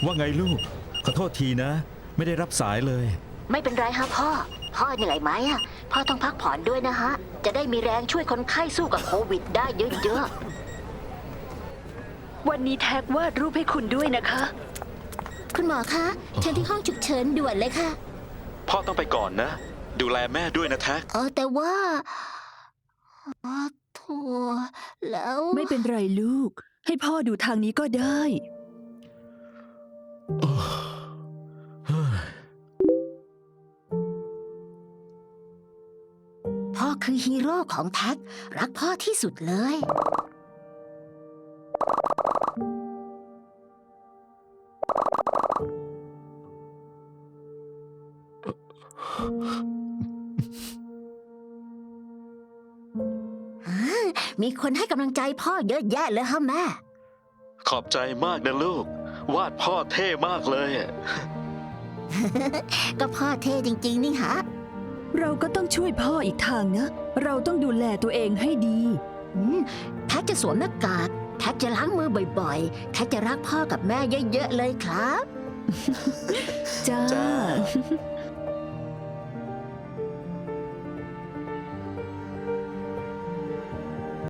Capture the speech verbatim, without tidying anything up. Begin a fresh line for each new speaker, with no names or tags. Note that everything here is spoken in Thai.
ว่าไงลูกขอโทษทีนะ ไม่ได้รับสายเลย
ไม่เป็นไรฮะพ่อ พ่อเหนื่อยไหมอะพ่อต้องพักผ่อนด้วยนะฮะ จะได้มีแรงช่วยคนไข้สู้กับโควิดได้เยอะ
วันนี้แท็กวาดรูปให้คุณด้วยนะคะ
คุณหมอคะเชิญที่ห้องฉุกเฉินด่วนเลยค่ะ
พ่อต้องไปก่อนนะ ดูแลแม่ด้วยนะแท็ก
เออแต่ว่าอ๋อโถั่วแล้ว
ไม่เป็นไรลูก ให้พ่อดูทางนี้ก็ได้
พ่อคือฮีโร่ของแท็ก รักพ่อที่สุดเลย มีคนให้กำลังใจพ่อเยอะแยะเลยฮะแม่
ขอบใจมากนะลูก วาดพ่อเท่มากเลยอะ
ก็พ่อเท่จริงๆนี่ฮะ
เราก็ต้องช่วยพ่ออีกทางนะ เราต้องดูแลตัวเองให้ดี
อืมแท็กจะสวมหน้ากาก แท็กจะล้างมือบ่อยๆ แท็กจะรักพ่อกับแม่เยอะๆเลยครับ
จ้า
จ้า